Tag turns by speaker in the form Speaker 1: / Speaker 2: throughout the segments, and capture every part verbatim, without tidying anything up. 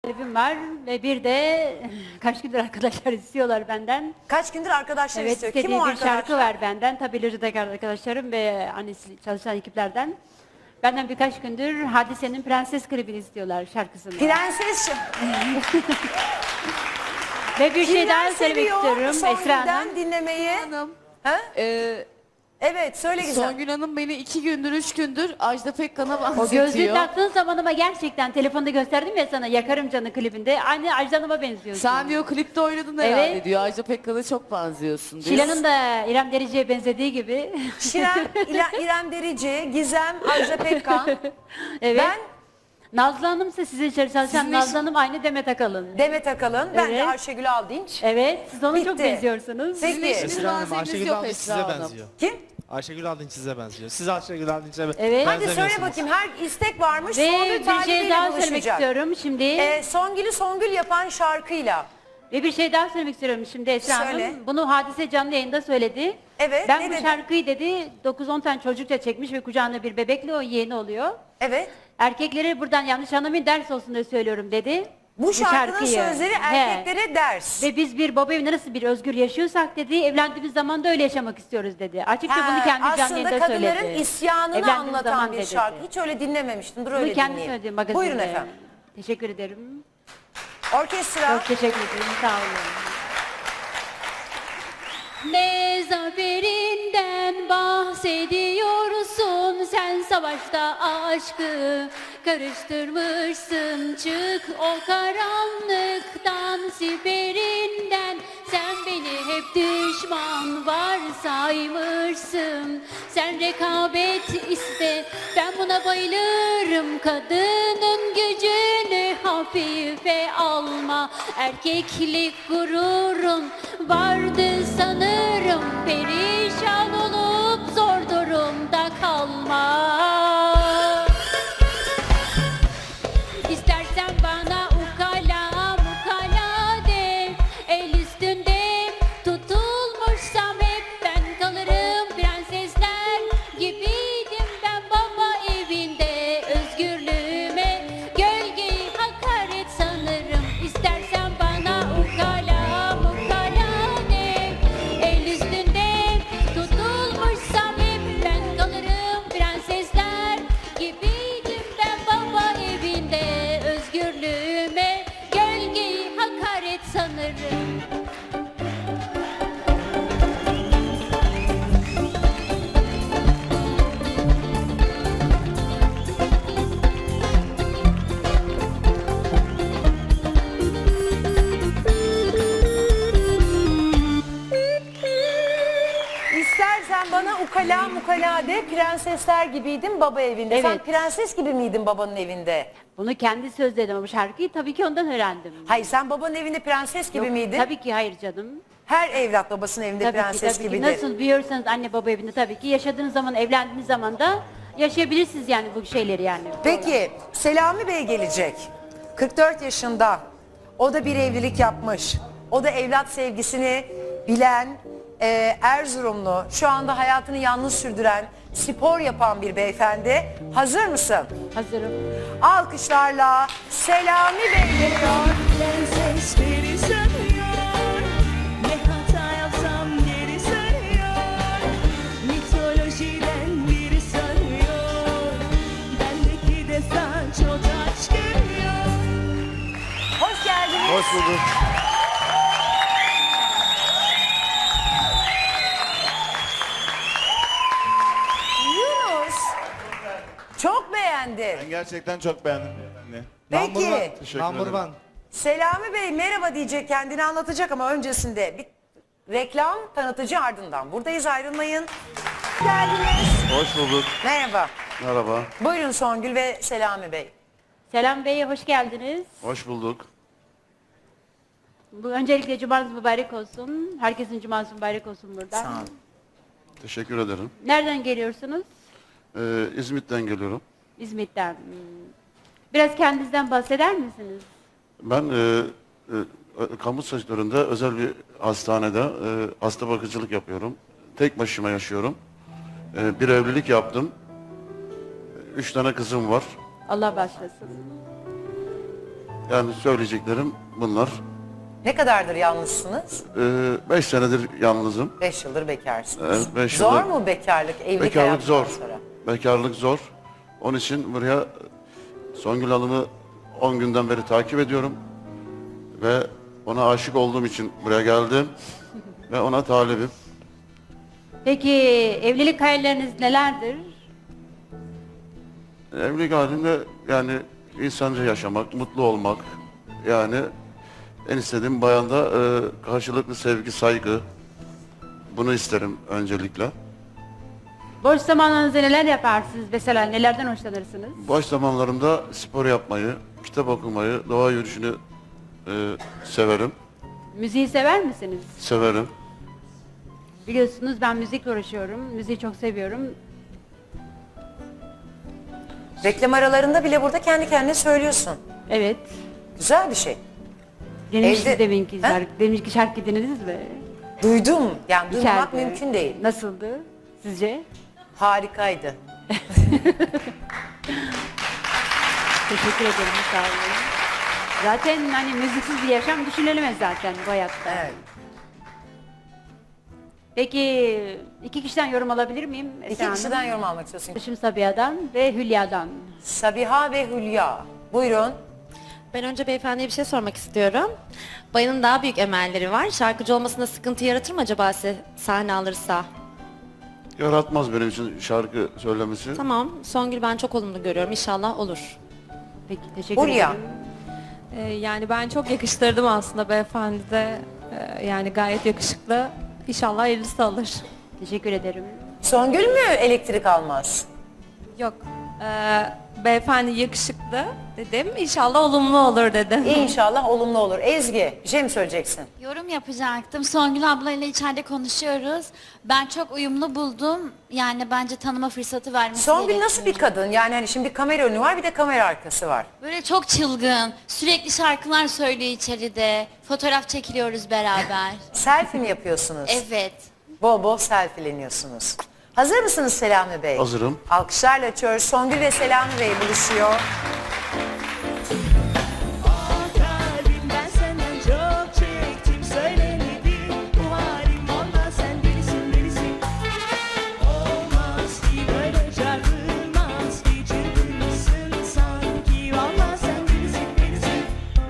Speaker 1: Klibim var ve bir de kaç gündür arkadaşlar istiyorlar benden.
Speaker 2: Kaç gündür arkadaşlar
Speaker 1: Evet,
Speaker 2: istiyor. Kim
Speaker 1: istediği
Speaker 2: o
Speaker 1: bir
Speaker 2: arkadaşlar?
Speaker 1: şarkı var benden. Tabii Loja'daki arkadaşlarım ve annesi çalışan ekiplerden. Benden birkaç gündür Hadise'nin Prenses klibini istiyorlar, şarkısını.
Speaker 2: Prenses.
Speaker 1: Ve bir şey
Speaker 2: Kimler
Speaker 1: daha söylemek
Speaker 2: seviyor
Speaker 1: istiyorum Esra
Speaker 2: Songül'den
Speaker 1: Hanım.
Speaker 2: dinlemeyi?
Speaker 3: Hanım,
Speaker 2: Ha?
Speaker 3: e,
Speaker 2: Evet söyle güzel.
Speaker 3: Songül Hanım beni iki gündür, üç gündür Ajda Pekkan'a
Speaker 1: O gözlüğü
Speaker 3: bahsediyor.
Speaker 1: taktığın zaman ama gerçekten telefonda gösterdim ya sana Yakarım Canı klibinde. Aynı Ajda Hanım'a benziyorsun.
Speaker 3: Sen diyor klipte oynadın herhalde
Speaker 1: Evet.
Speaker 3: diyor. Ajda Pekkan'a çok benziyorsun diyor.
Speaker 1: Şilan'ın da İrem Derici'ye benzediği gibi.
Speaker 2: Şiren, İla- İrem Derici, Gizem, Ajda Pekkan.
Speaker 1: Evet.
Speaker 2: Ben
Speaker 1: Nazlı Hanım ise sizin için çalışan
Speaker 3: Sizin
Speaker 1: Nazlı
Speaker 3: eş-
Speaker 1: Hanım aynı Demet Akalın.
Speaker 2: Demet Akalın, ben de
Speaker 1: Evet.
Speaker 2: Ayşegül Aldinç.
Speaker 1: Evet, siz ona çok
Speaker 2: Bitti.
Speaker 1: benziyorsunuz.
Speaker 2: Peki.
Speaker 3: Sizin eşiniz
Speaker 4: Esra Hanım,
Speaker 3: benzeriniz
Speaker 4: Ayşegül
Speaker 3: yok
Speaker 4: Aldınç
Speaker 3: Esra
Speaker 4: size
Speaker 3: Hanım.
Speaker 4: benziyor.
Speaker 2: Kim?
Speaker 4: Ayşegül Aldınç size benziyor. Siz Ayşegül Aldınç'a be
Speaker 1: Evet.
Speaker 2: Hadi söyle
Speaker 4: benzemiyorsunuz.
Speaker 2: bakayım, her istek varmış.
Speaker 1: Ve
Speaker 2: Songül
Speaker 1: bir şey
Speaker 2: talibiyle
Speaker 1: daha söylemek
Speaker 2: buluşacak.
Speaker 1: istiyorum şimdi.
Speaker 2: Ee, Songül'ü Songül yapan şarkıyla.
Speaker 1: Ve bir şey daha söylemek istiyorum şimdi Esra
Speaker 2: Söyle.
Speaker 1: Hanım. Bunu Hadise canlı yayında söyledi.
Speaker 2: Evet,
Speaker 1: Ben
Speaker 2: ne
Speaker 1: bu
Speaker 2: dedi?
Speaker 1: şarkıyı dedi dokuz on tane çocukça çekmiş ve kucağında bir bebekle o yeğeni oluyor.
Speaker 2: Evet.
Speaker 1: Erkeklere buradan yanlış anlamayın ders olsun diye söylüyorum dedi.
Speaker 2: Bu şarkının
Speaker 1: şarkıyı.
Speaker 2: sözleri
Speaker 1: He.
Speaker 2: erkeklere ders.
Speaker 1: Ve biz bir baba evinde nasıl bir özgür yaşıyorsak dedi, evlendiğimiz zaman da öyle yaşamak istiyoruz dedi. Açıkça
Speaker 2: Ha,
Speaker 1: bunu kendi canlı
Speaker 2: aslında
Speaker 1: yayında
Speaker 2: kadınların
Speaker 1: söyledi.
Speaker 2: isyanını
Speaker 1: Evlendiğimiz
Speaker 2: anlatan
Speaker 1: zaman
Speaker 2: bir
Speaker 1: dedi.
Speaker 2: şarkı. Hiç öyle dinlememiştim. Dur
Speaker 1: Bunu
Speaker 2: öyle
Speaker 1: kendi
Speaker 2: dinleyeyim.
Speaker 1: söyledi magazinde.
Speaker 2: Buyurun efendim.
Speaker 1: Teşekkür ederim.
Speaker 2: Orkestra.
Speaker 1: Çok teşekkür ederim. Sağ olun. Ne zaferinden bahsediyorsun, sen savaşta aşkı karıştırmışsın. Çık o karanlıktan, siperinden, sen beni hep düşman varsaymışsın. Sen rekabet iste, ben buna bayılırım. Kadının gücünü hafife alma, erkeklik gururun vardı sanırım. Perişan olup zor durumda kalma. İstersen bana ukala mukala de, el üstünde tutulmuşsam hep ben kalırım. Prensesler gibiydim ben baba evinde, özgürlüğüme gölgeyi hakaret sanırım. İstersen bana ukala mukala de, el üstünde tutulmuşsam hep ben kalırım. Prensesler gibiydim ben baba evinde, özgürlüğüme gölgeyi hakaret sanırım.
Speaker 2: İstersen bana ukala mukala de, prensesler gibiydim baba evinde. Sen
Speaker 1: Evet.
Speaker 2: prenses gibi miydin babanın evinde?
Speaker 1: Bunu kendi sözlerim ama bu şarkıyı tabii ki ondan öğrendim.
Speaker 2: Hayır, sen babanın evinde prenses gibi
Speaker 1: Yok,
Speaker 2: miydin?
Speaker 1: Tabii ki hayır canım.
Speaker 2: Her evlat babasının evinde
Speaker 1: Tabii
Speaker 2: prenses
Speaker 1: ki, tabii ki.
Speaker 2: gibidir.
Speaker 1: Nasıl büyüyorsanız anne baba evinde tabii ki yaşadığınız zaman, evlendiğiniz zaman da yaşayabilirsiniz yani bu şeyleri yani.
Speaker 2: Peki Selami Bey gelecek. kırk dört yaşında. O da bir evlilik yapmış. O da evlat sevgisini bilen, e, Erzurumlu, şu anda hayatını yalnız sürdüren, spor yapan bir beyefendi. Hazır mısın?
Speaker 1: Hazırım.
Speaker 2: Alkışlarla Selami Bey geliyor.
Speaker 5: Prenses beni sanıyor, ne hata yapsam geri sarıyor, mitolojiden biri sanıyor, bendeki destan çok aç görüyor.
Speaker 2: Hoş geldiniz.
Speaker 4: Hoş bulduk.
Speaker 2: Yunus. Çok beğendi.
Speaker 6: Ben gerçekten çok beğendim. Ne?
Speaker 2: Peki.
Speaker 4: Number one.
Speaker 6: Teşekkür
Speaker 4: Number
Speaker 6: ederim.
Speaker 4: one.
Speaker 2: Selami Bey merhaba diyecek, kendini anlatacak ama öncesinde bir reklam, tanıtıcı, ardından buradayız, ayrılmayın. Geldiniz.
Speaker 6: Hoş bulduk.
Speaker 2: Merhaba.
Speaker 6: Merhaba.
Speaker 2: Buyurun Songül ve Selami Bey.
Speaker 1: Selam Bey, hoş geldiniz.
Speaker 6: Hoş bulduk.
Speaker 1: Bu öncelikle cumanız mübarek olsun. Herkesin cuması mübarek olsun buradan.
Speaker 2: Sağ olun.
Speaker 6: Teşekkür ederim.
Speaker 1: Nereden geliyorsunuz?
Speaker 6: Ee, İzmit'ten geliyorum.
Speaker 1: İzmit'ten. Hmm. Biraz kendinizden bahseder misiniz?
Speaker 6: Ben e, e, kamu sektöründe özel bir hastanede e, hasta bakıcılık yapıyorum. Tek başıma yaşıyorum. E, bir evlilik yaptım. Üç tane kızım var.
Speaker 1: Allah başlasın.
Speaker 6: Yani söyleyeceklerim bunlar.
Speaker 2: Ne kadardır yalnızsınız?
Speaker 6: Ee, beş senedir yalnızım.
Speaker 2: Beş yıldır bekarsınız.
Speaker 6: Evet, beş
Speaker 2: Zor
Speaker 6: yıldır-
Speaker 2: mu bekarlık, evlilik
Speaker 6: Bekarlık
Speaker 2: hayatından
Speaker 6: zor.
Speaker 2: sonra?
Speaker 6: Bekarlık zor. Onun için buraya Songül Hanım'ı on günden beri takip ediyorum. Ve ona aşık olduğum için buraya geldim. Ve ona talibim.
Speaker 1: Peki evlilik hayalleriniz nelerdir?
Speaker 6: Evlilik halinde yani insanca yaşamak, mutlu olmak. Yani en istediğim bayanda e, karşılıklı sevgi, saygı. Bunu isterim öncelikle.
Speaker 1: Boş zamanlarınızda neler yaparsınız? Mesela nelerden hoşlanırsınız?
Speaker 6: Boş zamanlarımda spor yapmayı, kitap okumayı, doğa yürüyüşünü e, severim.
Speaker 1: Müziği sever misiniz?
Speaker 6: Severim.
Speaker 1: Biliyorsunuz ben müzikle uğraşıyorum. Müziği çok seviyorum.
Speaker 2: Reklam aralarında bile burada kendi kendine söylüyorsun.
Speaker 1: Evet.
Speaker 2: Güzel bir şey.
Speaker 1: Dinlemiştiniz
Speaker 2: Evde-
Speaker 1: deminki
Speaker 2: Ha?
Speaker 1: şarkı, deminki şarkı dinlediniz mi?
Speaker 2: Duydum. Yani duymamak
Speaker 1: İçeride.
Speaker 2: mümkün değil.
Speaker 1: Nasıldı sizce?
Speaker 2: Harikaydı.
Speaker 1: Teşekkür ederim, sağ olun. Zaten hani müziksiz bir yaşam düşünülemez zaten bu hayatta.
Speaker 2: Evet.
Speaker 1: Peki iki kişiden yorum alabilir miyim?
Speaker 2: İki
Speaker 1: Esra Hanım?
Speaker 2: kişiden yorum almak istiyorsun.
Speaker 1: Arkadaşım Sabiha'dan ve Hülya'dan.
Speaker 2: Sabiha ve Hülya. Buyurun.
Speaker 7: Ben önce beyefendiye bir şey sormak istiyorum. Bayanın daha büyük emelleri var. Şarkıcı olmasında sıkıntı yaratır mı acaba size sahne alırsa?
Speaker 6: Yaratmaz benim için şarkı söylemesi.
Speaker 7: Tamam. Songül ben çok olumlu görüyorum. İnşallah olur.
Speaker 1: Peki teşekkür
Speaker 2: Hülya.
Speaker 1: ederim.
Speaker 8: Ee, yani ben çok yakıştırdım aslında beyefendi de. Ee, yani gayet yakışıklı. İnşallah hayırlısı alır.
Speaker 1: Teşekkür ederim.
Speaker 2: Songül mü elektrik almaz?
Speaker 8: Yok. Ee, beyefendi yakışıklı dedim. İnşallah olumlu olur dedim.
Speaker 2: İnşallah olumlu olur. Ezgi bir şey mi söyleyeceksin?
Speaker 9: Yorum yapacaktım. Songül ablayla içeride konuşuyoruz. Ben çok uyumlu buldum. Yani bence tanıma fırsatı vermesi
Speaker 2: Songül nasıl bir
Speaker 9: gerekiyor.
Speaker 2: kadın? Yani hani şimdi bir kamera önü var bir de kamera arkası var.
Speaker 9: Böyle çok çılgın. Sürekli şarkılar söylüyor içeride. Fotoğraf çekiliyoruz beraber.
Speaker 2: Selfie mi yapıyorsunuz?
Speaker 9: Evet.
Speaker 2: Bol bol selfieleniyorsunuz. Hazır mısınız Selami Bey?
Speaker 6: Hazırım.
Speaker 2: Alkışlarla açıyoruz. Songül ve Selami Bey buluşuyor.
Speaker 5: Kalbim ben senden çok çektim söylenebilir. Bu halim valla sen delisin delisin. Olmaz ki böyle çarpılmaz ki çırpınırsın sanki. Valla sen delisin delisin.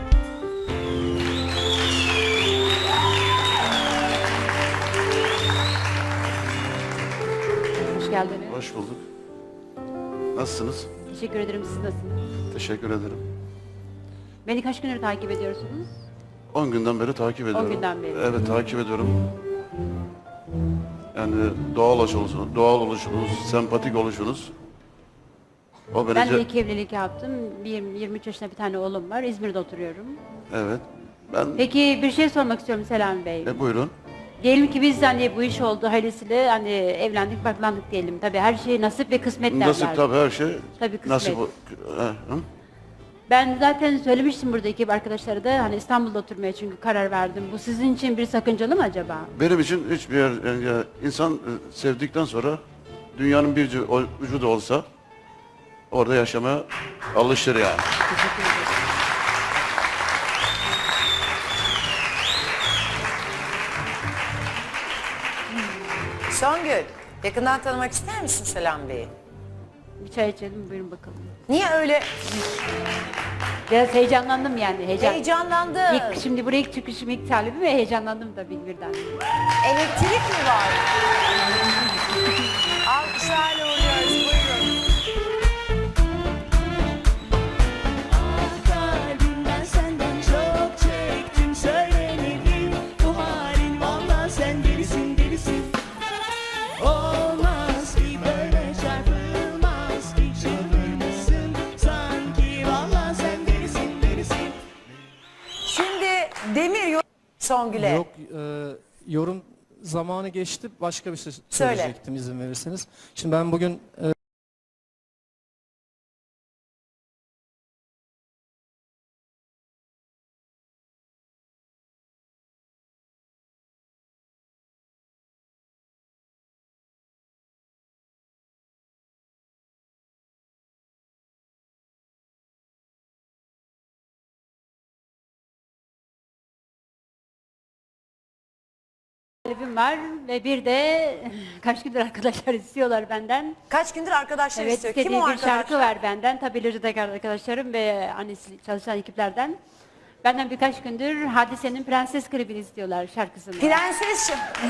Speaker 1: Hoş geldiniz.
Speaker 6: Hoş bulduk. Nasılsınız?
Speaker 1: Teşekkür ederim. Siz nasılsınız?
Speaker 6: Teşekkür ederim.
Speaker 1: Beni kaç gündür takip ediyorsunuz?
Speaker 6: on günden beri takip ediyorum.
Speaker 1: günden beri.
Speaker 6: Evet takip ediyorum. Yani doğal oluşunuz, doğal oluşunuz, sempatik oluşunuz. O
Speaker 1: Ben
Speaker 6: derece...
Speaker 1: de iki evlilik yaptım. Bir, yirmi üç yaşında bir tane oğlum var. İzmir'de oturuyorum.
Speaker 6: Evet. Ben...
Speaker 1: Peki bir şey sormak istiyorum Selami Bey.
Speaker 6: E, buyurun.
Speaker 1: Diyelim ki biz hani bu iş oldu hayırlısıyla hani evlendik baklandık diyelim. Tabii her şey nasip ve kısmet derler.
Speaker 6: Nasip tabii her şey.
Speaker 1: Tabii kısmet.
Speaker 6: Nasip. o- e, hı?
Speaker 1: Ben zaten söylemiştim buradaki arkadaşlara da hani İstanbul'da oturmaya çünkü karar verdim. Bu sizin için bir sakıncalı mı acaba?
Speaker 6: Benim için hiçbir yer, yani ya insan e, sevdikten sonra dünyanın bir ucu, o- ucu da olsa orada yaşamaya alışır yani.
Speaker 1: Teşekkür ederim.
Speaker 2: Songül, yakından tanımak ister misin Selami Bey'i?
Speaker 1: Bir çay içelim buyurun bakalım.
Speaker 2: Niye öyle
Speaker 1: Biraz heyecanlandım yani heyecan.
Speaker 2: heyecanlandın?
Speaker 1: İlk, şimdi buraya ilk çıkışım ilk talibim ve heyecanlandım tabii birden.
Speaker 2: Elektrik mi var? Alkışlarla uğurluyoruz. Buyurun.
Speaker 5: Kalbim ben senden çok çektim söylenebilir. Bu halin valla sen delisin delisin. Olmaz ki böyle çarpılmaz ki çılgınsın sanki. Valla sen delisin delisin.
Speaker 2: Şimdi Demir yor- Songül'e.
Speaker 10: Yok, e, yorum zamanı geçti. Başka bir şey
Speaker 2: Söyle.
Speaker 10: söyleyecektim izin verirseniz. Şimdi ben bugün e,
Speaker 1: talebim var ve bir de kaç gündür arkadaşlar istiyorlar benden.
Speaker 2: Kaç gündür arkadaşlar
Speaker 1: Evet,
Speaker 2: istiyor. Kim
Speaker 1: istediği
Speaker 2: o
Speaker 1: bir
Speaker 2: arkadaşlar?
Speaker 1: şarkı var benden. Tabii Lüzü'deki arkadaşlarım ve hani çalışan ekiplerden. Benden birkaç gündür Hadise'nin Prenses klibini istiyorlar şarkısını.
Speaker 2: Prenses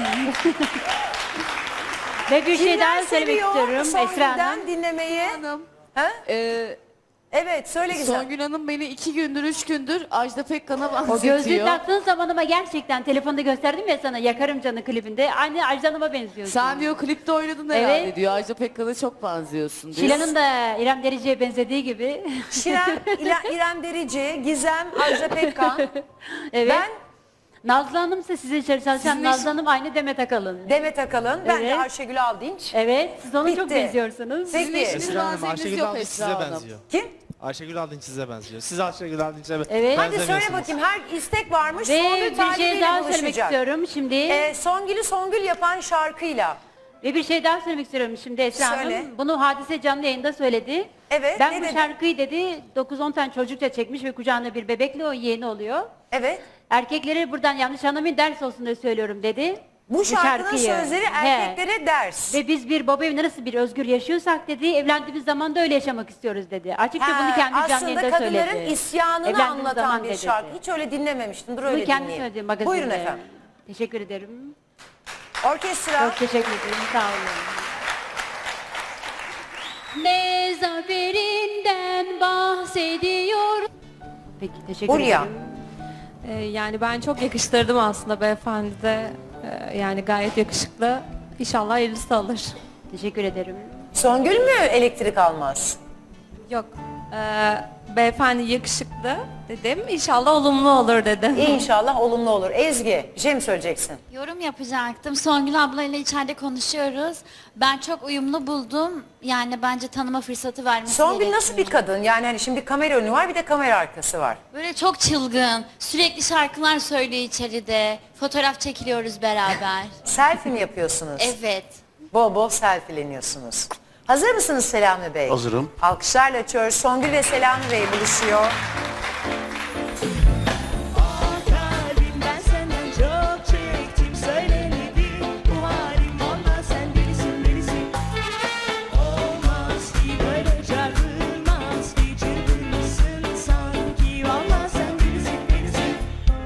Speaker 1: Ve bir şey
Speaker 2: Kimler
Speaker 1: daha söylemek
Speaker 2: seviyor
Speaker 1: istiyorum Esra
Speaker 2: Songül'den
Speaker 1: Hanım.
Speaker 2: dinlemeyi?
Speaker 3: Hanım.
Speaker 2: Ha?
Speaker 3: Ee,
Speaker 2: Evet söyle güzel.
Speaker 3: Songül Hanım beni iki gündür, üç gündür Ajda Pekkan'a
Speaker 1: O gözlüğü
Speaker 3: benzetiyor.
Speaker 1: taktığın zaman ama gerçekten telefonda gösterdim ya sana Yakarım Canı klibinde. Aynı Ajda Hanım'a benziyorsun.
Speaker 3: Sen diyor klipte oynadın herhalde
Speaker 1: Evet.
Speaker 3: diyor. Ajda Pekkan'a çok benziyorsun diyor.
Speaker 1: Şilan'ın da İrem Derici'ye benzediği gibi.
Speaker 2: Şiren, İrem, İrem Derici, Gizem, Ajda Pekkan.
Speaker 1: Evet.
Speaker 2: Ben
Speaker 1: Nazlı Hanım ise size çalışan
Speaker 2: Sizin
Speaker 1: Nazlı
Speaker 2: eş-
Speaker 1: Hanım aynı Demet Akalın.
Speaker 2: Demet Akalın, ben de
Speaker 1: Evet.
Speaker 2: Ayşegül Aldinç.
Speaker 1: Evet, siz ona çok
Speaker 2: Bitti.
Speaker 1: benziyorsunuz.
Speaker 2: Peki.
Speaker 3: Sizin eşiniz
Speaker 4: Esra Hanım,
Speaker 3: benzeriniz
Speaker 4: Ayşegül
Speaker 3: yok
Speaker 4: Aldınç
Speaker 3: Esra
Speaker 4: size
Speaker 3: Hanım.
Speaker 4: benziyor.
Speaker 2: Kim?
Speaker 4: Ayşegül Aldınç size benziyor. Siz Ayşegül Aldınç'a be-
Speaker 1: Evet. Hadi
Speaker 2: Hadi söyle
Speaker 4: benzemiyorsunuz.
Speaker 2: bakayım, her istek varmış.
Speaker 1: Ve
Speaker 2: Songül
Speaker 1: bir şey
Speaker 2: talibiyle
Speaker 1: daha söylemek
Speaker 2: buluşacak.
Speaker 1: istiyorum şimdi.
Speaker 2: Ee, Songül'ü Songül yapan şarkıyla.
Speaker 1: Ve bir şey daha söylemek istiyorum şimdi Esra
Speaker 2: Söyle.
Speaker 1: Hanım. Bunu Hadise canlı yayında söyledi.
Speaker 2: Evet,
Speaker 1: Ben
Speaker 2: ne
Speaker 1: bu
Speaker 2: dedi?
Speaker 1: şarkıyı dedi dokuz on tane çocukça çekmiş ve kucağında bir bebekle o yeğeni oluyor.
Speaker 2: Evet.
Speaker 1: Erkekleri buradan yanlış anlamayın ders olsun diye söylüyorum dedi.
Speaker 2: Bu şarkının
Speaker 1: şarkıyı.
Speaker 2: sözleri
Speaker 1: He.
Speaker 2: erkeklere ders.
Speaker 1: Ve biz bir baba evinde nasıl bir özgür yaşıyorsak dedi, evlendiğimiz zaman da öyle yaşamak istiyoruz dedi. Açıkça
Speaker 2: Ha,
Speaker 1: bunu kendi canlı
Speaker 2: aslında
Speaker 1: yayında söyledi.
Speaker 2: kadınların isyanını
Speaker 1: Evlendiğimiz
Speaker 2: anlatan
Speaker 1: zaman
Speaker 2: bir
Speaker 1: dedi.
Speaker 2: şarkı. Hiç öyle dinlememiştim. Dur öyle
Speaker 1: Bunu kendi
Speaker 2: dinleyeyim.
Speaker 1: söyledi magazinde.
Speaker 2: Buyurun efendim.
Speaker 1: Teşekkür ederim.
Speaker 2: Orkestra.
Speaker 1: Çok teşekkür ederim. Sağ olun. Ne zaferinden bahsediyor. Peki teşekkür
Speaker 2: Hulya.
Speaker 1: ederim.
Speaker 8: Ee, yani ben çok yakıştırdım aslında beyefendi de. Ee, yani gayet yakışıklı. İnşallah hayırlısı alır.
Speaker 1: Teşekkür ederim.
Speaker 2: Songül mü elektrik almaz?
Speaker 8: Yok. Ee, beyefendi yakışıklı dedim. İnşallah olumlu olur dedim.
Speaker 2: İnşallah olumlu olur. Ezgi, bir şey mi söyleyeceksin?
Speaker 9: Yorum yapacaktım. Songül ablayla içeride konuşuyoruz. Ben çok uyumlu buldum. Yani bence tanıma fırsatı vermesi
Speaker 2: Songül nasıl bir
Speaker 9: gerekiyor.
Speaker 2: kadın? Yani hani şimdi bir kamera önü var, bir de kamera arkası var.
Speaker 9: Böyle çok çılgın. Sürekli şarkılar söylüyor içeride. Fotoğraf çekiliyoruz beraber.
Speaker 2: Selfie mi yapıyorsunuz?
Speaker 9: Evet.
Speaker 2: Bol bol selfieleniyorsunuz. Hazır mısınız Selami Bey?
Speaker 6: Hazırım.
Speaker 2: Alkışlarla açıyoruz. Songül ve Selami Bey buluşuyor.
Speaker 5: Kalbimden senden çok çektim söylemedim. Bu halim valla sen delisin delisin. Olmaz ki böyle çarpılmaz ki çırpınırsın sanki valla sen delisin delisin.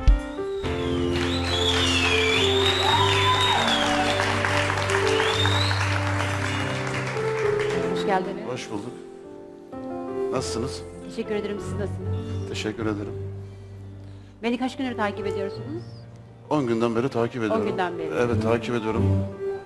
Speaker 1: Hoş geldiniz.
Speaker 6: Hoş bulduk. Nasılsınız?
Speaker 1: Teşekkür ederim. Siz nasılsınız?
Speaker 6: Teşekkür ederim.
Speaker 1: Beni kaç gündür takip ediyorsunuz?
Speaker 6: on günden beri takip ediyorum.
Speaker 1: günden beri.
Speaker 6: Evet, takip ediyorum.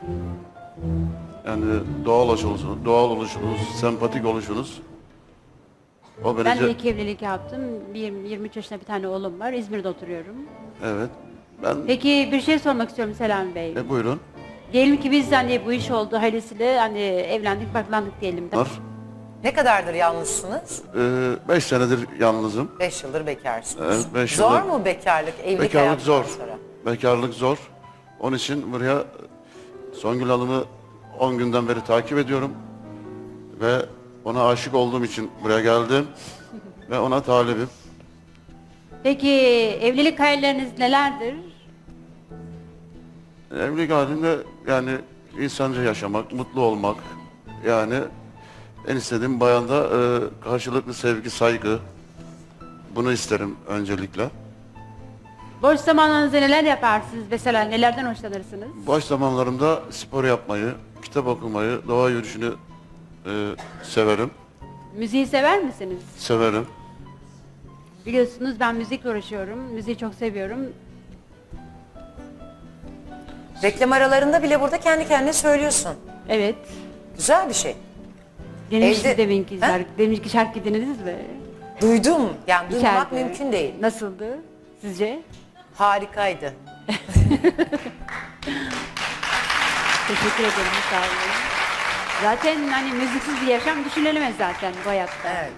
Speaker 6: Yani doğal oluşunuz, doğal oluşunuz, sempatik oluşunuz. O
Speaker 1: Ben
Speaker 6: bence...
Speaker 1: de iki evlilik yaptım. Bir- yirmi üç yaşında bir tane oğlum var. İzmir'de oturuyorum.
Speaker 6: Evet. Ben...
Speaker 1: Peki bir şey sormak istiyorum Selami Bey.
Speaker 6: E, buyurun.
Speaker 1: Diyelim ki biz hani bu iş oldu hayırlısıyla hani evlendik baklandık diyelim de.
Speaker 6: Var.
Speaker 2: Ne kadardır yalnızsınız?
Speaker 6: Ee, beş senedir yalnızım.
Speaker 2: Beş yıldır bekarsınız.
Speaker 6: Evet, beş
Speaker 2: Zor
Speaker 6: yıldır-
Speaker 2: mu bekarlık, evlilik
Speaker 6: Bekarlık
Speaker 2: hayatından
Speaker 6: zor.
Speaker 2: sonra?
Speaker 6: Bekarlık zor. Onun için buraya Songül Hanım'ı on günden beri takip ediyorum. Ve ona aşık olduğum için buraya geldim. Ve ona talibim.
Speaker 1: Peki evlilik hayalleriniz nelerdir?
Speaker 6: Evlilik halinde yani insanca yaşamak, mutlu olmak. Yani en istediğim bayanda e, karşılıklı sevgi, saygı. Bunu isterim öncelikle.
Speaker 1: Boş zamanlarınızda neler yaparsınız? Mesela nelerden hoşlanırsınız?
Speaker 6: Boş zamanlarımda spor yapmayı, kitap okumayı, doğa yürüyüşünü e, severim.
Speaker 1: Müziği sever misiniz?
Speaker 6: Severim.
Speaker 1: Biliyorsunuz ben müzikle uğraşıyorum. Müziği çok seviyorum.
Speaker 2: Reklam aralarında bile burada kendi kendine söylüyorsun.
Speaker 1: Evet.
Speaker 2: Güzel bir şey.
Speaker 1: Dinlemiştiniz
Speaker 2: Evde-
Speaker 1: deminki
Speaker 2: Ha?
Speaker 1: şarkı, deminki şarkı dinlediniz mi?
Speaker 2: Duydum. Yani duymamak
Speaker 1: İçeride.
Speaker 2: mümkün değil.
Speaker 1: Nasıldı sizce?
Speaker 2: Harikaydı.
Speaker 1: Teşekkür ederim, sağ olun. Zaten hani müziksiz bir yaşam düşünülemez zaten bu hayatta.
Speaker 2: Evet.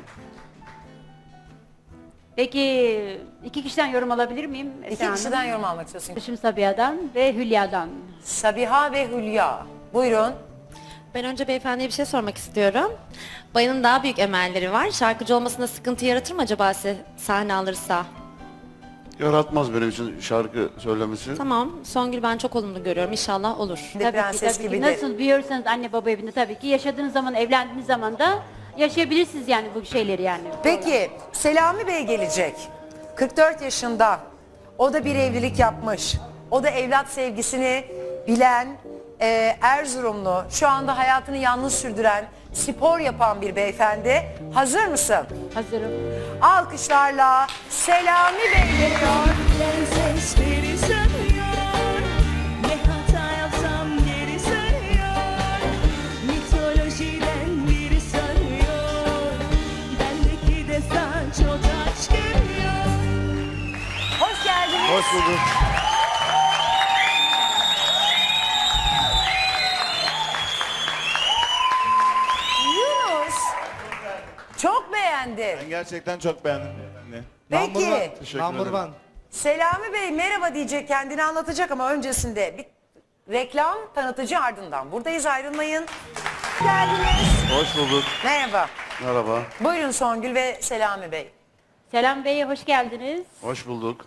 Speaker 1: Peki iki kişiden yorum alabilir miyim?
Speaker 2: İki
Speaker 1: Esra Hanım?
Speaker 2: kişiden yorum almak istiyorsun.
Speaker 1: Arkadaşım Sabiha'dan ve Hülya'dan.
Speaker 2: Sabiha ve Hülya. Buyurun.
Speaker 7: Ben önce beyefendiye bir şey sormak istiyorum. Bayanın daha büyük emelleri var. Şarkıcı olmasında sıkıntı yaratır mı acaba size sahne alırsa?
Speaker 6: yaratmaz benim için şarkı söylemesi.
Speaker 7: Tamam. Songül ben çok olumlu görüyorum. İnşallah olur.
Speaker 2: Şimdi
Speaker 1: Tabii ki,
Speaker 2: prenses
Speaker 1: tabii ki.
Speaker 2: gibi de.
Speaker 1: Nasıl büyüyorsanız anne baba evinde tabii ki yaşadığınız zaman, evlendiğiniz zaman da yaşayabilirsiniz yani bu şeyleri yani.
Speaker 2: Peki Selami Bey gelecek. kırk dört yaşında. O da bir evlilik yapmış. O da evlat sevgisini bilen, e, Erzurumlu, şu anda hayatını yalnız sürdüren, spor yapan bir beyefendi. Hazır mısın?
Speaker 1: Hazırım.
Speaker 2: Alkışlarla Selami Bey geliyor.
Speaker 5: Prensesleri sanıyor, ne hata yapsam geri sanıyor, mitolojiden biri sanıyor, bendeki destan çok aç görüyor.
Speaker 2: Hoş geldiniz.
Speaker 6: Hoş bulduk.
Speaker 2: Yunus. Çok beğendi.
Speaker 11: Ben gerçekten çok beğendim. Ne?
Speaker 2: Peki.
Speaker 11: Teşekkür
Speaker 4: Number
Speaker 11: ederim.
Speaker 4: one.
Speaker 2: Selami Bey merhaba diyecek, kendini anlatacak ama öncesinde bir reklam, tanıtıcı, ardından buradayız, ayrılmayın. Hoş geldiniz.
Speaker 6: Hoş bulduk.
Speaker 2: Merhaba.
Speaker 6: Merhaba.
Speaker 2: Buyurun Songül ve Selami Bey.
Speaker 1: Selam Bey, hoş geldiniz.
Speaker 6: Hoş bulduk.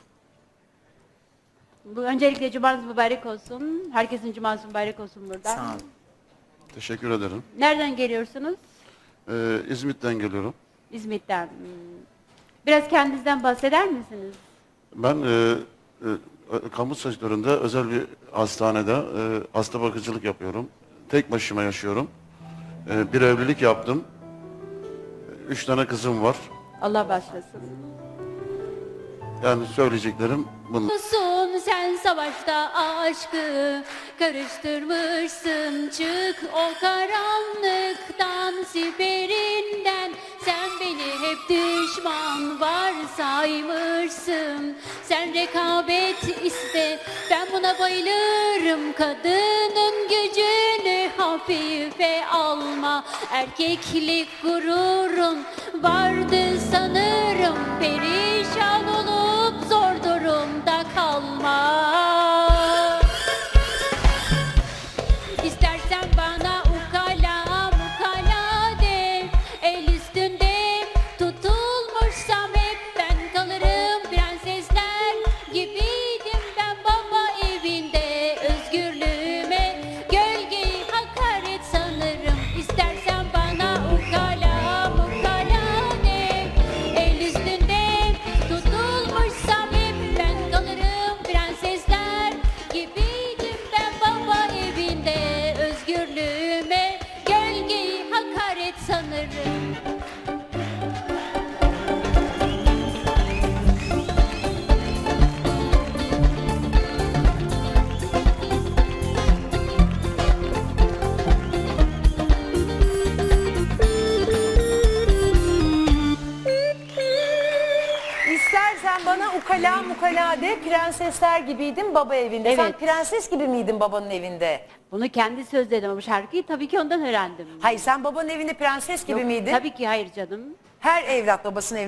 Speaker 1: Bu öncelikle cumanız mübarek olsun. Herkesin cuması mübarek olsun burada.
Speaker 2: Sağ olun.
Speaker 6: Teşekkür ederim.
Speaker 1: Nereden geliyorsunuz?
Speaker 6: Ee, İzmit'ten geliyorum.
Speaker 1: İzmit'ten. Hmm. Biraz kendinizden bahseder misiniz?
Speaker 6: Ben e, e, kamu sektöründe özel bir hastanede e, hasta bakıcılık yapıyorum. Tek başıma yaşıyorum. E, bir evlilik yaptım. Üç tane kızım var.
Speaker 1: Allah başlasın.
Speaker 6: Yani söyleyeceklerim bunlar.
Speaker 12: Olsun sen savaşta aşkı karıştırmışsın, çık o karanlıktan siperinden, sen beni hep düşman varsaymışsın, sen rekabet iste, ben buna bayılırım, kadının gücünü hafife alma, erkeklik gururun vardı sanırım, perişan olup zor durumda kalma. İstersen bana ukala mukala de, el üstünde tutulmuşsam hep ben kalırım, prensesler gibiydim ben baba evinde, özgürlüğüme gölgeyi hakaret sanırım. İstersen bana ukala mukala de, el üstünde tutulmuşsam hep ben kalırım, prensesler gibiydim ben baba evinde, özgürlüğüme gölgeyi hakaret sanırım.
Speaker 2: İstersen bana ukala mukala de, prensesler gibiydim baba evinde. Sen
Speaker 1: Evet.
Speaker 2: prenses gibi miydin babanın evinde?
Speaker 1: Bunu kendi sözlerim ama bu şarkıyı tabii ki ondan öğrendim.
Speaker 2: Hayır, sen babanın evinde prenses gibi
Speaker 1: Yok,
Speaker 2: miydin?
Speaker 1: Tabii ki hayır canım.
Speaker 2: Her evlat babasının evinde